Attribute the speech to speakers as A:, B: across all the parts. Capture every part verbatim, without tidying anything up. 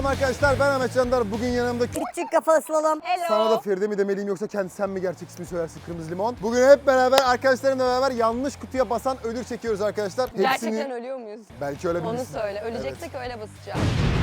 A: Selam arkadaşlar, ben Ahmet Candar. Bugün yanımda
B: Küçük kafalı slalom.
C: Hello.
A: sana da Feride mi demeliyim yoksa kendi sen mi gerçek ismi söylersin Kırmızı Limon. Bugün hep beraber arkadaşlarımla beraber yanlış kutuya basan ödül çekiyoruz arkadaşlar.
C: Gerçekten ölüyor muyuz?
A: Belki öyle
C: Onu
A: bilirsin.
C: söyle. Öleceksek öyle basacağım.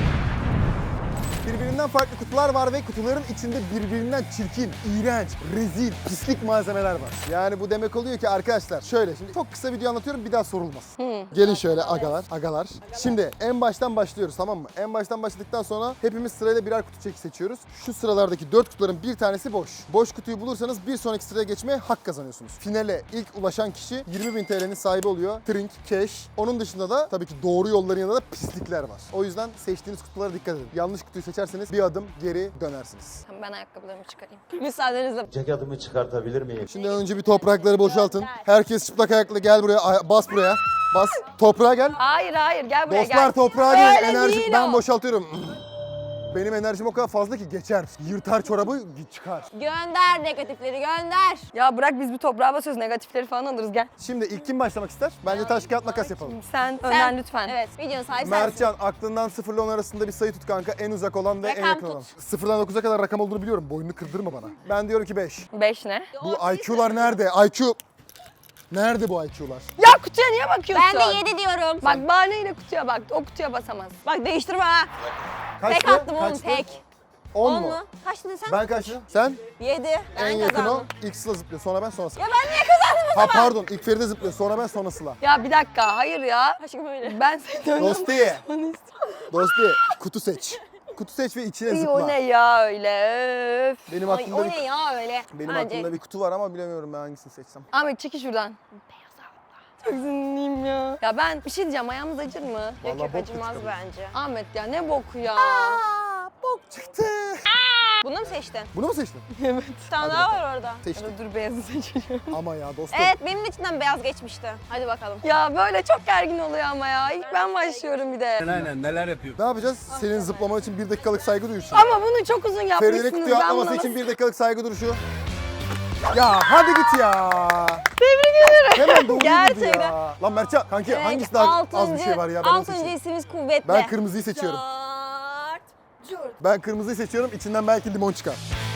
A: Birbirinden farklı kutular var ve kutuların içinde birbirinden çirkin, iğrenç, rezil, pislik malzemeler var. Yani bu demek oluyor ki arkadaşlar şöyle şimdi çok kısa video anlatıyorum bir daha sorulmaz. Gelin şöyle agalar, agalar. Şimdi en baştan başlıyoruz tamam mı? En baştan başladıktan sonra hepimiz sırayla birer kutu çeki seçiyoruz. Şu sıralardaki dört kutuların bir tanesi boş. Boş kutuyu bulursanız bir sonraki sıraya geçmeye hak kazanıyorsunuz. Finale ilk ulaşan kişi yirmi bin T L'nin sahibi oluyor. Trink, cash. Onun dışında da tabii ki doğru yolların yanında da pislikler var. O yüzden seçtiğiniz kutulara dikkat edin. Yanlış kutuyu seçerseniz bir adım geri dönersiniz.
C: Tamam, ben ayakkabılarımı çıkarayım. Müsaadenizle.
D: Ceketimi çıkartabilir miyim?
A: Şimdi önce bir toprakları boşaltın. Herkes çıplak ayaklı gel buraya. Ay- Bas buraya. Bas. Toprağa gel.
C: Hayır hayır gel buraya
A: Dostlar
C: gel.
A: toprağa gelin.
C: Öyle
A: Enerji
C: değil
A: ben
C: o.
A: boşaltıyorum. Benim enerjim o kadar fazla ki geçer. Yırtar çorabı çıkar.
C: Gönder negatifleri gönder. Ya bırak biz bir toprağa basıyoruz negatifleri falan alırız gel.
A: Şimdi ilk kim başlamak ister? Bence taş kağıt makas yapalım.
C: Sen önden lütfen.
B: Evet, videonun sahibi sensin.
A: Mertcan aklından sıfırla on arasında bir sayı tut kanka. En uzak olan ve en
C: Rakam
A: yakın
C: tut.
A: olan. sıfırdan dokuza kadar rakam olduğunu biliyorum. Boynunu kırdırma bana. Ben diyorum ki beş.
C: Beş ne?
A: Bu I Q'lar nerede? I Q... Nerede bu I Q'lar?
C: Ya kutuya niye bakıyorsun?
B: Ben de yedi diyorum.
C: Bak bahaneyle kutuya bak. O kutuya basamaz.
B: Bak değiştirme ha.
A: Kaçtı?
B: Tek attım oğlum
A: Kaçtı?
B: tek.
A: on
B: on
A: mu?
B: mu? Kaç dedin sen?
A: Ben kaçtı? Sen?
B: yedi.
A: En
B: Ben
A: yakın o.
B: kazandım.
A: İlk Sıla zıplıyor. Sonra ben sonra Sıla.
B: Ya ben niye kazandım o
A: Ha
B: zaman?
A: pardon. İlk Feride zıplıyor. Sonra ben sonra Sıla.
C: Ya bir dakika hayır ya.
B: Aşkım öyle.
C: Ben seni önden
A: Dosti.
C: basmanı istiyorum.
A: Dosti. Kutu seç. Kutu seç ve içine
C: İyi,
A: zıpla.
C: o ne ya öyle öf.
A: Benim
B: Ay,
A: aklımda
B: o
A: bir,
B: ne ya öyle?
A: benim
B: Bence.
A: aklımda bir kutu var ama bilemiyorum ben hangisini seçsem.
C: Ahmet çekil şuradan. Beyaz abla. Çok sinirliyim ya. Ya ben bir şey diyeceğim ayağımız acır mı?
A: Vallahi
B: Yok yok
A: bok
B: acımaz
A: çıktı.
B: bence.
C: Ahmet ya ne boku ya.
A: Aa, bok çıktı.
B: Bunu mu seçtin?
A: Bunu mu seçtin?
C: Evet.
B: Bir tane daha var orada.
A: Seçtim.
C: Dur beyazı seçeceğim.
A: Ama ya dostum.
B: Evet benim içinden beyaz geçmişti. Hadi bakalım.
C: Ya böyle çok gergin oluyor ama ya. İlk ben başlıyorum bir de.
D: Aynen neler yapıyor?
A: Ne yapacağız? Senin zıplaman için bir dakikalık saygı duruşu.
C: Ama bunu çok uzun
A: Feride'nin
C: yapmışsınız.
A: kutuya
C: Ben
A: atlaması
C: buna
A: için
C: nasıl-
A: bir dakikalık saygı duruşu. Ya hadi git ya.
C: Tebrik ederim.
A: Hemen doğru
B: Gerçekten.
A: ya. Lan Mertcan kanki
B: Evet,
A: hangisi daha az bir
B: altıncı-
A: şey var ya ben onu
B: Altıncı
A: seçeyim.
B: isimiz kuvvetli.
A: Ben kırmızıyı seçiyorum.
B: Cart.
A: Ben kırmızıyı seçiyorum. İçinden belki limon çıkar.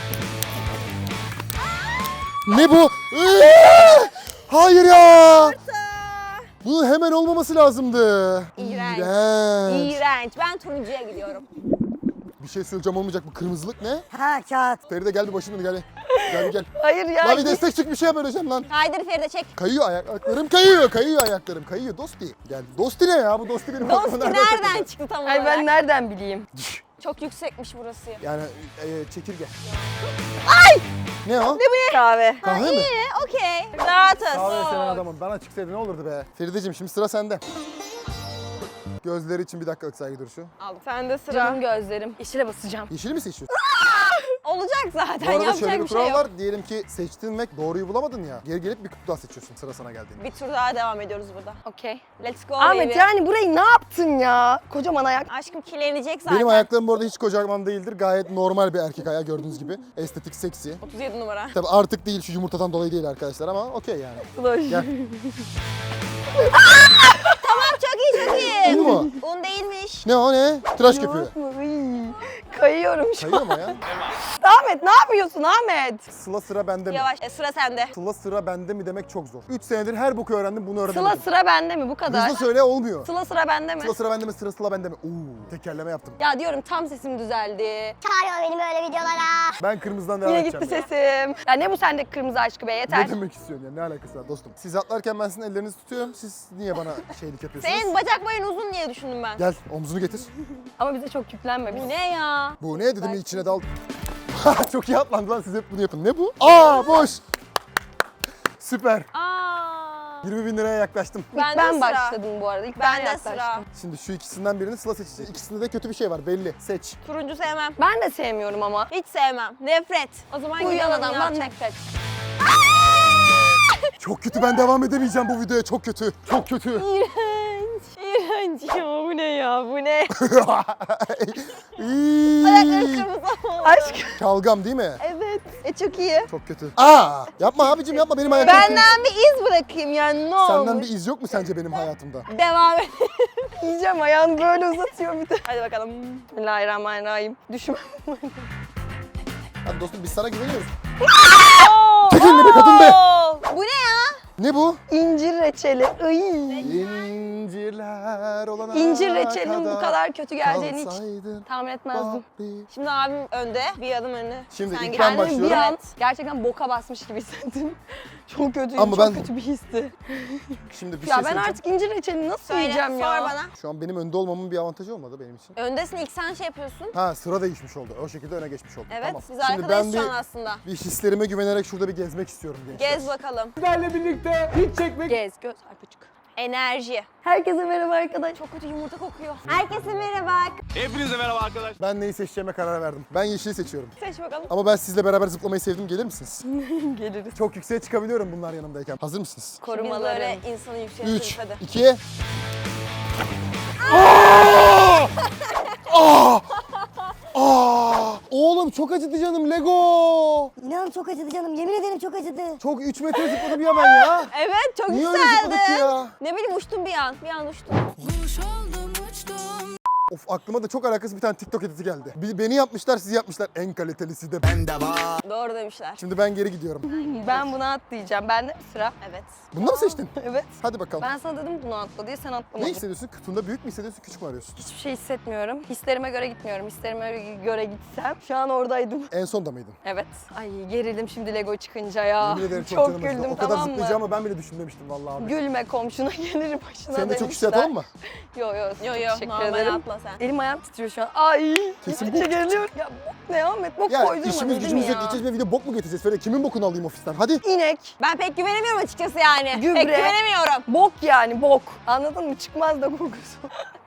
A: Ne bu? Eee! Hayır ya. Bu hemen olmaması lazımdı.
B: İğrenç.
A: İğrenç.
B: İğrenç. Ben turuncuya gidiyorum.
A: Bir şey söyleyeceğim olmayacak. Bu kırmızılık ne?
B: Ha kağıt.
A: Feride gel bir başımdan gel. Gel bir gel.
C: Hayır ya.
A: Lan bir destek çık bir şey yap öleceğim lan.
B: Kaydır Feride çek.
A: Kayıyor ayaklarım kayıyor. Kayıyor ayaklarım kayıyor. Dosti. Gel. Dosti ne ya? Bu Dosti benim
B: Dosti
A: aklıma
B: nereden
A: takıldı?
B: çıktı tam
C: Ay
B: olarak?
C: ben nereden bileyim?
B: Çok yüksekmiş burası.
A: Yani e, çekirge. Ay! Ne o?
C: Kahve.
A: Kahve mi?
B: İyi, okey. Rahatız.
A: Kahve seven adamım. Bana çıksaydı ne olurdu be? Ferideciğim şimdi sıra sende. Gözleri için bir dakikalık saygı duruşu.
B: Aldım.
C: Sende sıra. Canım gözlerim. Yeşile basacağım.
A: Yeşili mi seçiyorsun?
B: Olacak
A: Bu
B: zaten.
A: arada
B: Yapacak
A: şöyle bir
B: bir şey
A: kural
B: yok.
A: var. Diyelim ki seçtin ve doğruyu bulamadın ya. Geri gelip bir kutu daha seçiyorsun sıra sana geldiğinde.
B: Bir tur daha devam ediyoruz burada.
C: Okey.
B: Let's go
C: Ahmet
B: baby.
C: yani burayı ne yaptın ya? Kocaman ayak.
B: Aşkım kirlenecek zaten.
A: Benim ayaklarım bu arada hiç kocaman değildir. Gayet normal bir erkek ayağı gördüğünüz gibi. Estetik, seksi.
B: otuz yedi numara.
A: Tabii artık değil şu yumurtadan dolayı değil arkadaşlar ama okey yani.
C: Sloş.
A: Gel.
B: Tamam çok iyi çok iyi.
A: Un mu?
B: Un değilmiş.
A: Ne o ne? Tıraş köpüğü.
C: Yoğurt mu? Iy. Kayıyorum şu
A: Kayıyor
C: an.
A: mu ya?
C: Ahmet ne yapıyorsun Ahmet?
A: Sıla sıra bende mi?
B: Yavaş. E, sıra sende.
A: Sıla sıra bende mi demek çok zor. üç senedir her boku öğrendim bunu öğrenemedim.
C: Sıla sıra bende mi bu kadar?
A: Hızlı söyle olmuyor.
C: Sıla sıra bende mi?
A: Sıla sıra bende mi? Sıra sıla bende mi? Oo, tekerleme yaptım.
C: Ya diyorum tam sesim düzeldi.
B: Çağırıyor beni böyle videolara.
A: Ben kırmızıdan devam
C: Yine
A: edeceğim.
C: gitti sesim. Ya ne bu sendeki kırmızı aşkı be yeter.
A: Ne demek istiyorsun ya? Ne alakası var dostum? Siz atlarken ben sizin ellerinizi tutuyorum. Siz niye bana şeylik yapıyorsunuz?
B: Senin bacak boyun uzun diye düşündüm ben.
A: Gel omzunu getir.
C: Ama bize çok yüklenme.
B: Bu
C: Biz...
B: ne ya?
A: Bu ne dedim içine dal. Çok iyi atlandı lan siz hep bunu yapın. Ne bu? Aa boş. Süper.
B: Aa.
A: yirmi bin liraya yaklaştım.
C: İlk
B: Bende
C: ben
B: sıra.
C: başladım bu arada. İlk ben
B: Bende
C: yaklaştım.
B: sıra.
A: Şimdi şu ikisinden birini Sıla seçecek. İkisinde de kötü bir şey var belli. Seç.
B: Turuncu sevmem.
C: Ben de sevmiyorum ama.
B: Hiç sevmem. Nefret. O zaman
C: Uyuyan
B: gidelim
C: adamdan
B: ya.
C: nefret.
A: Çok kötü ben devam edemeyeceğim bu videoya. Çok kötü. Çok kötü.
B: İğrenç. İğrenç ya bu ne ya bu ne?
A: İyi.
B: Ayakları kırmızı oldu.
C: Aşk.
A: Şalgam değil mi?
B: Evet.
C: E çok iyi.
A: Çok kötü. Aa! Yapma abicim yapma benim hayatım.
C: Benden bir iz bırakayım yani ne olur.
A: Senden bir iz yok mu sence benim hayatımda?
C: Devam et. Yiyeceğim ayağını böyle uzatıyor bir de. Hadi bakalım. Bismillahirrahmanirrahim. Düşme.
A: Hadi dostum biz sana güveniyoruz. Çekil be kadın be!
C: Bu ne ya?
A: Ne bu?
C: İncir reçeli. Iy.
A: İncirler olana
C: İncir reçelinin bu kadar kötü geleceğini hiç
A: kalsaydın
C: tahmin etmezdim.
A: bari.
C: Şimdi abim önde, bir adım önde.
A: Şimdi
C: Sen
A: ilk
C: git.
A: ben
C: Kendimi
A: başlıyorum.
C: Bir an gerçekten boka basmış gibi hissettim. Çok kötüydü,
A: Ama
C: çok
A: ben-
C: kötü bir histi.
A: Şimdi bir
C: Ya
A: şey
C: ben
A: söyleyeceğim.
C: artık incir reçelini nasıl
B: Söyle,
C: yiyeceğim ya?
B: sor bana.
A: Şu an benim önde olmamın bir avantajı olmadı benim için.
B: Öndesin ilk sen şey yapıyorsun.
A: Ha sıra değişmiş oldu. O şekilde öne geçmiş oldum.
B: Evet
A: Tamam.
B: biz
A: Şimdi
B: arkadayız
A: ben
B: şu
A: bir,
B: an aslında.
A: bir hislerime güvenerek şurada bir gezmek istiyorum gençler.
B: Gez bakalım.
D: Sizlerle birlikte hiç çekmek
C: Gez, göz, arpacık.
B: Enerji.
C: Herkese merhaba arkadaşlar.
B: Çok kötü yumurta kokuyor. Herkese merhaba.
D: Hepinize merhaba arkadaşlar.
A: Ben neyi seçeceğime karar verdim. Ben yeşili seçiyorum.
C: Seç bakalım.
A: Ama ben sizle beraber zıplamayı sevdim. Gelir misiniz?
C: Geliriz.
A: Çok yükseğe çıkabiliyorum bunlar yanımdayken. Hazır mısınız?
B: Biz
C: Korumalarım.
B: böyle insanı yükseltiriz
A: üç,
B: hadi.
A: iki... Aa! Aa! Aa! Oğlum çok acıdı canım Lego.
E: İnan çok acıdı canım. Yemin ederim çok acıdı.
A: Çok üç metre zıpladım ya ben ya.
B: Evet çok
A: Niye öyle
B: güzeldi.
A: zıpladık ya?
B: Ne bileyim uçtum bir an. Bir an uçtum.
A: Of aklıma da çok alakasız bir tane TikTok editi geldi. Bir- Beni yapmışlar, sizi yapmışlar. En kalitelisi de bende var.
B: Doğru demişler.
A: Şimdi ben geri gidiyorum.
C: Ben buna atlayacağım. Bende mi sıra?
B: Evet.
A: Bunu da mı seçtin?
C: Evet.
A: Hadi bakalım.
C: Ben sana dedim bunu atla diye sen
A: Ne
C: atlamadın.
A: hissediyorsun? Kutunda büyük mü hissediyorsun, küçük mü arıyorsun?
C: Hiçbir şey hissetmiyorum. Hislerime göre gitmiyorum. Hislerime göre gitsem şu an oradaydım.
A: En sonda mıydın?
C: Evet. Ay gerildim şimdi Lego çıkınca ya.
A: Yemin ederim çok,
C: çok
A: canım acıdı.
C: güldüm
A: O kadar
C: tamam mı?
A: zıplayacağımı ben bile düşünmemiştim vallahi abi.
C: Gülme komşuna gelir başına
A: Sen de çok
C: demişler.
A: hissiyat mı?
C: Yo yo.
B: Yo yo
C: Teşekkür
B: normal
C: ederim.
B: atla sen.
C: Elim ayağım titriyor şu an. Ay.
A: Kesin
C: Gittikçe geriliyorum. Ya bok ne Ahmet? Bok
A: Ya
C: koydurma
A: işimiz
C: dedim
A: gücümüz yok.
C: ya.
A: Gideceğiz ve video bok mu getireceğiz? Feride kimin bokunu alayım ofisten? Hadi.
C: İnek.
B: Ben pek güvenemiyorum açıkçası yani.
C: Gübre.
B: Pek güvenemiyorum.
C: Bok yani bok. Anladın mı? Çıkmaz da kokusu.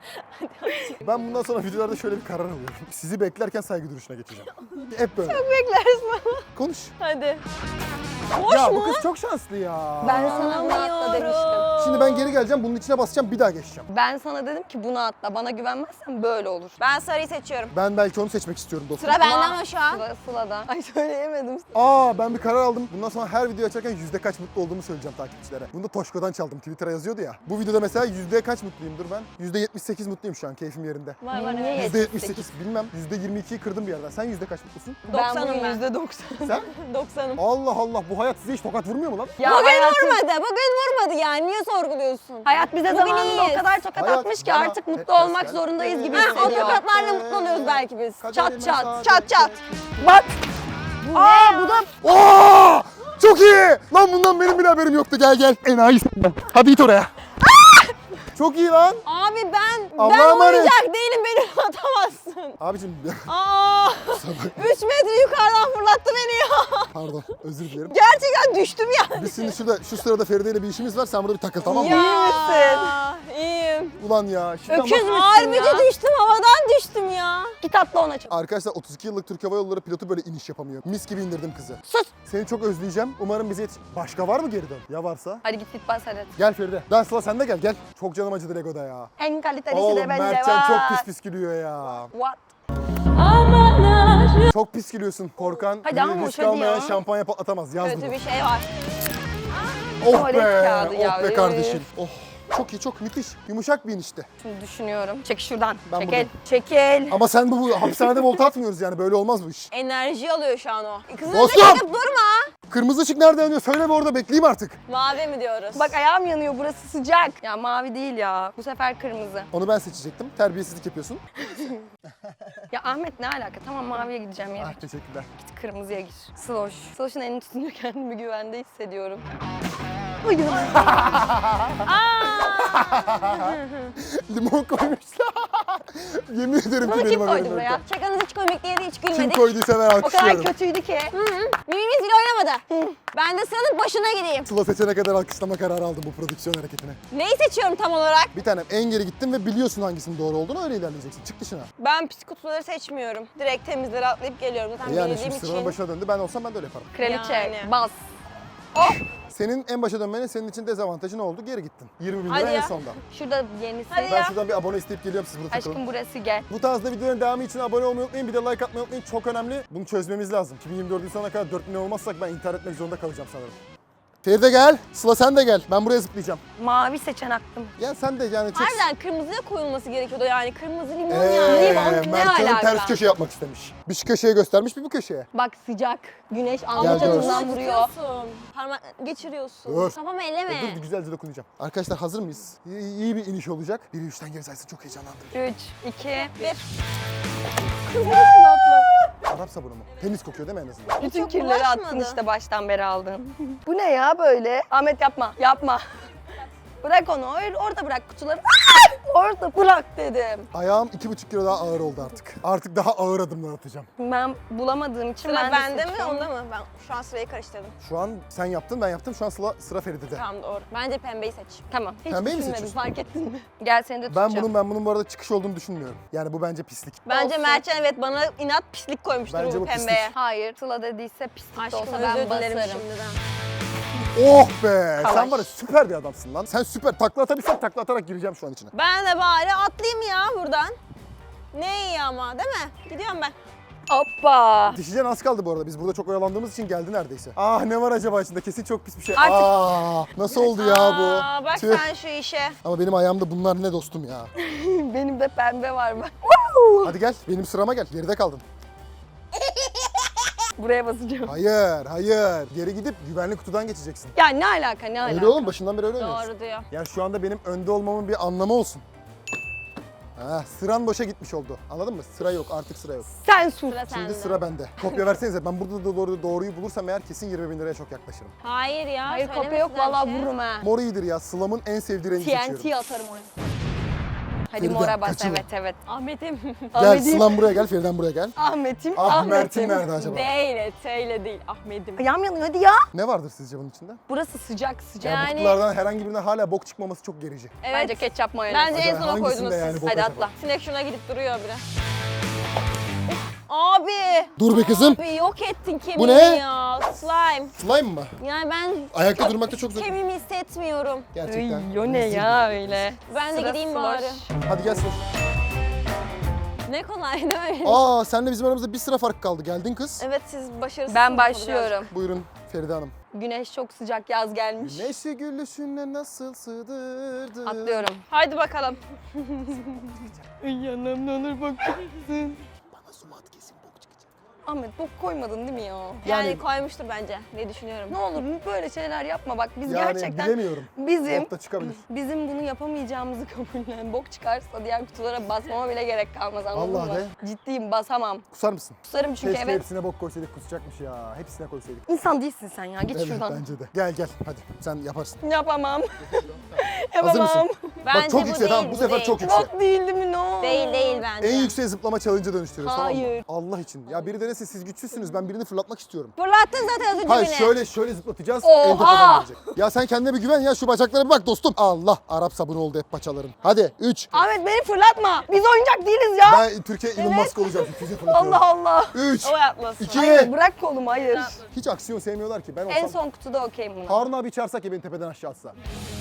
A: Ben bundan sonra videolarda şöyle bir karar alıyorum. Sizi beklerken saygı duruşuna geçeceğim. Hep böyle.
C: Bekleriz bana.
A: Konuş.
C: Hadi.
A: ya bu kız çok şanslı ya.
C: Ben sana bunu atla demiştim.
A: Şimdi ben geri geleceğim, bunun içine basacağım, bir daha geçeceğim.
C: Ben sana dedim ki bunu atla. Bana güvenmezsen böyle olur.
B: Ben sarıyı seçiyorum.
A: Ben belki onu seçmek istiyorum dostum.
B: Sıra bende ama şu an.
C: Sıla, Sıla'da. Ay söyleyemedim.
A: Aa ben bir karar aldım. Bundan sonra her video açarken yüzde kaç mutlu olduğumu söyleyeceğim takipçilere. Bunu da Toşko'dan çaldım. Twitter'a yazıyordu ya. Bu videoda mesela yüzde kaç mutluyumdur ben? yüzde yetmiş sekiz mutluyum şu an. Keyfim yerinde.
B: Var var
C: Niye
B: evet.
A: yüzde yetmiş sekiz bilmem. yüzde yirmi ikiyi kırdım bir yerden. Sen yüzde kaç mutlusun?
C: Ben
B: doksanım
C: bugün
B: ben.
C: yüzde doksan.
A: Sen?
B: doksanım.
A: Allah Allah bu hayat size hiç tokat vurmuyor mu lan?
C: Ya
B: Bugün
C: hayatım-
B: vurmadı. Bugün vurmadı yani. Niye sorguluyorsun?
C: Hayat bize
B: Bugün
C: zamanında o
B: iyiyiz.
C: kadar tokat
A: Hayat
C: atmış ki
A: bana
C: artık mutlu
A: hep
C: olmak
A: ters
C: zorundayız gibi
A: geldi.
B: Ha, o
C: hissediyor.
B: tokatlarla mutlu oluyoruz belki biz.
A: Kaderime
C: Çat çat,
A: saadet
B: çat çat.
C: Bak. Aa bu da
A: Oo! Çok iyi! Lan bundan benim bile haberim yoktu. Gel gel. Enayi s***. Hadi git oraya. Çok iyi lan.
B: Abi ben
A: Allah'a
B: ben
A: emanet.
B: oyuncak değilim beni atamazsın.
A: Abicim
B: Aa! üç metre yukarıdan fırlattı beni ya.
A: pardon özür dilerim.
B: Gerçekten düştüm yani.
A: Biz şimdi şurada şu sırada Feride ile bir işimiz var. Sen burada bir takıl tamam mı?
C: İyi misin?
B: İyiyim.
A: Ulan ya. Şuradan
C: Öküz
A: bak.
C: müsün
B: Harbici
C: ya?
B: düştüm havadan düştüm ya.
C: Git atla ona çok.
A: Arkadaşlar otuz iki yıllık Türk Hava Yolları pilotu böyle iniş yapamıyor. Mis gibi indirdim kızı.
C: Sus.
A: Seni çok özleyeceğim. Umarım bize yetiş... Başka var mı geri dön? Ya varsa?
C: Hadi git git bas hadi.
A: Gel Feride. Ben Sıla sen de gel gel. Çok canım acıdı Lego'da ya.
C: En kalitelisi
A: Oğlum
C: de bence
A: Mertcan
C: var.
A: çok pis pis gülüyor ya.
C: What?
A: Çok pis gülüyorsun. Korkan
C: Hadi ama
A: risk
C: hadi
A: almayan
C: ya.
A: şampanya patlatamaz. Yaz
B: Kötü
A: bunu.
B: bir şey var.
A: Oh
C: Tuvalet
A: be.
C: kağıdı ya,
A: Oh be
C: üf.
A: kardeşim. Oh. Çok iyi çok müthiş. Yumuşak bir inişti.
C: Şimdi düşünüyorum. Çek şuradan.
A: Ben
C: Çekil.
A: buradayım.
C: Çekil.
A: Ama sen bu, bu hapishanede volta atmıyoruz yani böyle olmaz bu iş.
B: Enerji alıyor şu an o. Kızın
A: Dostum!
B: önünde çekip durma.
A: Kırmızı ışık nerede yanıyor? Söyle bir orada bekleyeyim artık.
B: Mavi mi diyoruz?
C: Bak ayağım yanıyor burası sıcak. Ya mavi değil ya. Bu sefer kırmızı.
A: Onu ben seçecektim. Terbiyesizlik yapıyorsun.
C: Ya Ahmet ne alaka? Tamam maviye gideceğim ya.
A: Ah teşekkürler.
C: Git kırmızıya gir. Sloş. Sloş'un elini tutunca kendimi güvende hissediyorum.
A: Limon koymuşlar. Yemin ederim ki
B: Bunu
A: benim
B: kim
A: haberim
B: koydu
A: yoktu.
B: buraya? Şakanız hiç komik değildi, hiç
A: Kim
B: gülmedik.
A: koyduysa ben
C: O kadar
A: alkışlıyorum.
C: kötüydü ki.
B: Mimimiz bile oynamadı. Ben de sıranın başına gideyim.
A: Sıla seçene kadar alkışlama kararı aldım bu prodüksiyon hareketine.
B: Neyi seçiyorum tam olarak?
A: Bir tanem en geri gittin ve biliyorsun hangisinin doğru olduğunu öyle ilerleyeceksin. Çık dışına.
B: Ben pis kutuları seçmiyorum. Direkt temizleri atlayıp geliyorum. Zaten
A: E yani
B: bildiğim
A: şimdi sıranın
B: için.
A: başına döndü. Ben olsam ben de öyle yaparım.
C: Kraliçe
B: Yani.
C: bas.
A: Senin en başa dönmenin senin için dezavantajı ne oldu? Geri gittin. yirmi bin lira
C: Hadi
A: en
C: ya.
A: sonda.
C: Şurada yenisi.
B: Hadi
A: Ben
B: ya.
A: şuradan bir abone isteyip geliyorum, siz burada takılın.
C: Aşkım burası gel.
A: Bu tarzda videoların devamı için abone olmayı unutmayın. Bir de like atmayı unutmayın. Çok önemli. Bunu çözmemiz lazım. iki bin yirmi dördün sonuna kadar dört milyon olmazsak ben intihar etmek zorunda kalacağım sanırım. Feride gel. Sıla sen de gel. Ben buraya zıplayacağım.
C: Mavi seçen aklım.
A: Gel sen de yani çok...
B: Harbiden kırmızıya koyulması gerekiyordu yani. Kırmızı limon
A: Eee,
B: yani.
C: Limon, ne
A: Mertcan'ın
C: alaka?
A: ters köşe yapmak istemiş. Bir şu köşeye göstermiş, bir bu köşeye.
C: Bak sıcak. Güneş
A: Gel,
C: alnı
A: gör.
C: çatından vuruyor.
B: Tutuyorsun. Parmak geçiriyorsun.
A: Dur.
B: Kafamı elleme.
A: Dur, güzelce dokunacağım. Arkadaşlar hazır mıyız? İyi, iyi bir iniş olacak. Biri üçten geri saysın, çok heyecanlandım.
C: üç, iki, bir.
A: Arap sabunu mu? Temiz kokuyor değil mi en azından?
C: Bütün
B: çok
C: kirleri attın
B: bulaşmadı.
C: işte baştan beri aldın. Bu ne ya böyle? Ahmet yapma, yapma. Bırak onu, or- orada bırak kutuları. Aa! Orada bırak dedim.
A: Ayağım iki buçuk kilo daha ağır oldu artık. Artık daha ağır adımlar atacağım.
C: Ben bulamadığım için
B: Sıra
C: ben de
B: bende mi
C: seçiyorum.
B: onda mı? Ben şu an sırayı karıştırdım.
A: Şu an sen yaptın, ben yaptım. Şu an sıra, sıra Feride'de.
B: Tamam doğru. Bence pembeyi seç.
C: Tamam. Hiç
A: Pembeyi mi
C: düşünmedim,
A: seçiyorsun?
C: fark ettin mi? Gel seni de
A: Ben
C: tutacağım.
A: bunun ben bunun bu arada çıkış olduğunu düşünmüyorum. Yani bu bence pislik.
B: Bence
C: Olsun.
B: Mertcan evet bana inat pislik koymuştur
A: Bence
B: bu
A: bu pislik.
B: pembeye.
C: Hayır, Sıla dediyse pislik de
B: Aşkım
C: olsa
B: özür
C: ben
B: dilerim
C: basarım.
B: şimdiden.
A: Oh be!
C: Kalaş.
A: Sen var ya süper bir adamsın lan. Sen süper. Takla atabilsem takla atarak gireceğim şu an içine.
B: Ben de bari atlayayım ya buradan. Ne iyi ama değil mi? Gidiyorum ben.
C: Hoppa!
A: Dişicen az kaldı bu arada. Biz burada çok oyalandığımız için geldi neredeyse. Ah ne var acaba içinde? Kesin çok pis bir şey.
C: Artık-
A: Aa, nasıl oldu ya bu?
B: Aa, bak
A: Tüh.
B: sen şu işe.
A: Ama benim ayağımda bunlar ne dostum ya.
C: Benim de pembe var bak.
A: Hadi gel benim sırama gel. Geride kaldın.
C: Buraya basacağım.
A: Hayır, hayır. Geri gidip güvenli kutudan geçeceksin.
C: Ya ne alaka, ne alaka?
A: Öyle oğlum, başından beri öyle oynuyorsun.
B: Doğru diyor.
A: Yani şu anda benim önde olmamın bir anlamı olsun. Ha, sıran boşa gitmiş oldu. Anladın mı? Sıra yok, artık sıra yok.
C: Sen sus.
B: Sıra
A: Şimdi
B: sende.
A: sıra bende. Kopya versenize. Ben burada da doğru, doğruyu bulursam eğer kesin yirmi bin liraya çok yaklaşırım.
B: Hayır ya.
C: Hayır kopya
B: söylemesinler
C: yok,
B: bir
C: vallahi
B: şey.
C: vururum ha.
A: Mor iyidir ya. Sıla'mın en sevdiği rengi
C: T N
A: seçiyorum.
C: T atarım oraya. Hadi
A: Feride,
C: mora bas,
A: kaçırma.
C: evet evet.
B: Ahmet'im.
A: Gel
C: Ahmet'im.
A: Sıla'm buraya gel, Feriden buraya gel.
C: Ahmet'im,
A: Ah Mert'in
C: Ahmet'im.
A: nerede acaba?
B: Değil, T değil. Ahmet'im.
C: Ayağım yanıyor hadi ya.
A: Ne vardır sizce bunun içinde?
C: Burası sıcak sıcak.
A: Yani, bu
B: Yani-
A: kutulardan herhangi birinden hala bok çıkmaması çok gerici.
B: Evet.
C: Bence ketçap mayonez.
B: Bence en
A: Acaba
B: sona
A: hangisinde
B: koydunuz
A: yani
B: siz.
A: bok
C: Hadi
A: acaba?
C: atla.
B: Sinek şuna gidip duruyor bile. Abi.
A: Dur be kızım.
B: Abi yok ettin kemiğimi
A: Bu ne?
B: ya. Slime.
A: Slime mı?
B: Yani ben
A: Ayakta durmakta çok zor.
B: kemiğimi hissetmiyorum.
A: Gerçekten.
C: Ay, o ne
A: rezil.
C: ya öyle.
B: Ben de
C: Sıra
B: gideyim
C: sloş.
B: bari.
A: Hadi gel Sıla.
B: Ne kolay değil mi?
A: Aa senle bizim aramızda bir sıra fark kaldı. Geldin kız.
B: Evet siz başarısızsınız.
C: Ben
B: ama
C: başlıyorum.
A: Buyurun Feride Hanım.
C: Güneş çok sıcak, yaz gelmiş.
A: Güneşi gülüşüne nasıl sığdırdın?
C: Atlıyorum.
B: biraz. Haydi bakalım.
C: Yanım ne olur bakmasın.
A: Bana sumat kesin bok çıkacak.
C: Ahmet bok koymadın değil mi ya?
B: Yani,
A: Yani-
B: koymuştur bence. Ne düşünüyorum.
C: Ne olur böyle şeyler yapma bak biz
A: Yani
C: gerçekten
A: bilemiyorum.
C: bizim
A: Bok da çıkabilir.
C: bizim bunu yapamayacağımızı kabullen. Bok çıkarsa diğer kutulara basmama bile gerek kalmaz anladın
A: Vallahi
C: mı?
A: de.
C: Ciddiyim basamam.
A: Kusar mısın?
C: Kusarım çünkü
A: Keşke
C: evet.
A: hepsine bok koysaydık, kusacakmış ya. Hepsine koysaydık.
C: İnsan değilsin sen ya git
A: Evet
C: şuradan.
A: bence de. Gel gel hadi sen yaparsın.
C: Yapamam.
A: Hazır
C: Yapamam.
A: mısın?
B: Bence
A: Bak çok
B: bu
A: yüksek
B: değil,
A: tamam bu sefer
B: değil.
A: çok yüksek.
C: Bok değildi mi no?
B: Değil değil bence.
A: En yüksek zıplama challenge'a dönüştürüyoruz tamam mı?
C: Hayır.
A: Allah için. Ya biri denesin siz güçsüzsünüz ben birini fırlatmak istiyorum.
B: Fırlattın zaten az önce
A: Hayır
B: beni.
A: şöyle şöyle zıplatacağız.
C: Oha!
A: Elde falan gelecek. Ya sen kendine bir güven ya şu bacaklara bir bak dostum. Allah Arap sabunu oldu hep paçaların. Hadi üç.
C: Ahmet beni fırlatma. Biz oyuncak değiliz ya.
A: Ben Türkiye Elon Musk olacağım. Füze fırlatıyorum.
C: Allah Allah.
A: üç.
B: O yapmasın.
A: iki.
C: Hayır bırak kolumu hayır.
A: Hiç aksiyon sevmiyorlar ki. Ben
C: En
A: olsam
C: son kutuda okeyim buna.
A: Harun abi çağırsak ya beni tepeden aşağı atsa.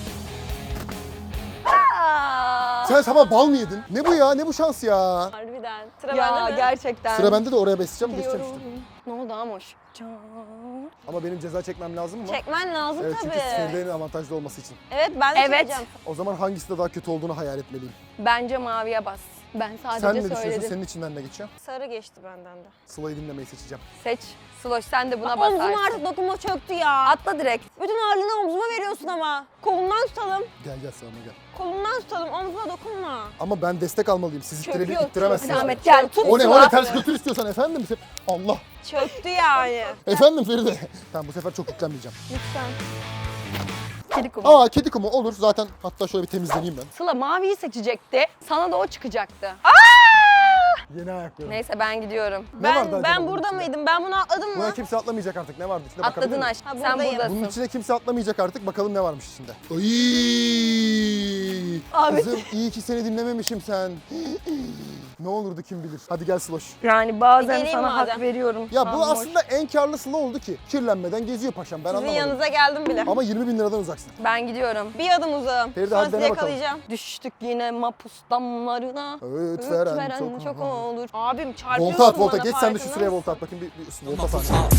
C: Aa!
A: Sen sabah bal mı yedin? Ne bu ya? Ne bu şans ya?
B: Harbiden. Sıra
C: Ya
B: bende mi?
C: gerçekten.
A: Sıra bende de oraya besleyeceğim geçeceğim
C: Biliyorum.
A: işte.
C: Ne oldu Amoş? Can.
A: Ama benim ceza çekmem lazım mı?
B: Çekmen lazım
A: Evet çünkü
B: tabii.
A: Feride'nin avantajlı olması için.
B: Evet ben de
C: Evet.
B: çekeceğim.
A: O zaman hangisi de daha kötü olduğunu hayal etmeliyim.
C: Bence maviye bas. Ben sadece
A: Sen ne düşünüyorsun?
C: söyledim.
A: Senin içinden ne geçiyor?
B: Sarı geçti benden de.
A: Sıla'yı dinlemeyi seçeceğim.
C: Seç. Sloş sen de buna basarsın.
B: Omzum artık dokunma çöktü ya.
C: Atla direkt.
B: Bütün ağırlığını omzuma veriyorsun ama. Kolundan tutalım.
A: Gel gel Sıla'ma gel.
B: Kolundan tutalım. Omzuma dokunma.
A: Ama ben destek almalıyım. Siz ittire-
B: Çöküyor,
A: ittiremezsiniz.
B: çöküyor.
C: Ahmet gel tut.
A: O ne o
C: Sıla.
A: ne ters götür istiyorsan efendim. Allah.
B: Çöktü yani.
A: Efendim Feride. Tamam bu sefer çok yüklenmeyeceğim.
C: Lütfen. Kedi kumu.
A: Aa kedi kumu olur zaten. Hatta şöyle bir temizleneyim ben.
C: Sıla maviyi seçecekti. Sana da o çıkacaktı.
A: Yeni ayaklarım.
C: Neyse ben gidiyorum.
A: Ne vardı
B: Ben
A: acaba
B: ben
A: bunun
B: burada
A: içinde?
B: mıydım? Ben bunu atladım
A: Buna
B: mı?
A: kimse atlamayacak artık. Ne vardı içinde bakabilir
C: Atladın
A: miyim?
C: aşk.
B: Ha,
C: Sen
B: buradayım.
C: buradasın.
A: Bunun içine kimse atlamayacak artık. Bakalım ne varmış içinde. Ay!
C: Ahmet.
A: Kızım iyi ki seni dinlememişim sen. Ne olurdu kim bilir. Hadi gel Sloş.
C: Yani bazen
B: Geleyim
C: sana hak
B: madem.
C: veriyorum.
A: Ya bu
C: Ahmoş.
A: aslında en karlı Sıla oldu ki. Kirlenmeden geziyor paşam, ben
B: Sizin
A: anlamadım.
B: yanınıza geldim bile.
A: Ama yirmi bin liradan uzaksın.
C: Ben gidiyorum.
B: Bir adım uzağım.
A: Feride,
B: Sonra
A: hadi
B: sizi
A: dene bakalım.
B: yakalayacağım.
C: Düştük yine mapus damlarına.
A: Öğüt
C: Öğüt
A: veren,
C: veren
A: çok,
C: çok olur.
B: Abim çarpıyorsun
A: Volta at, volta.
B: bana,
A: Geç sen de şu
B: farkında
A: sıraya
B: mısın?
A: volta at bakayım. Bir, bir volta sahne.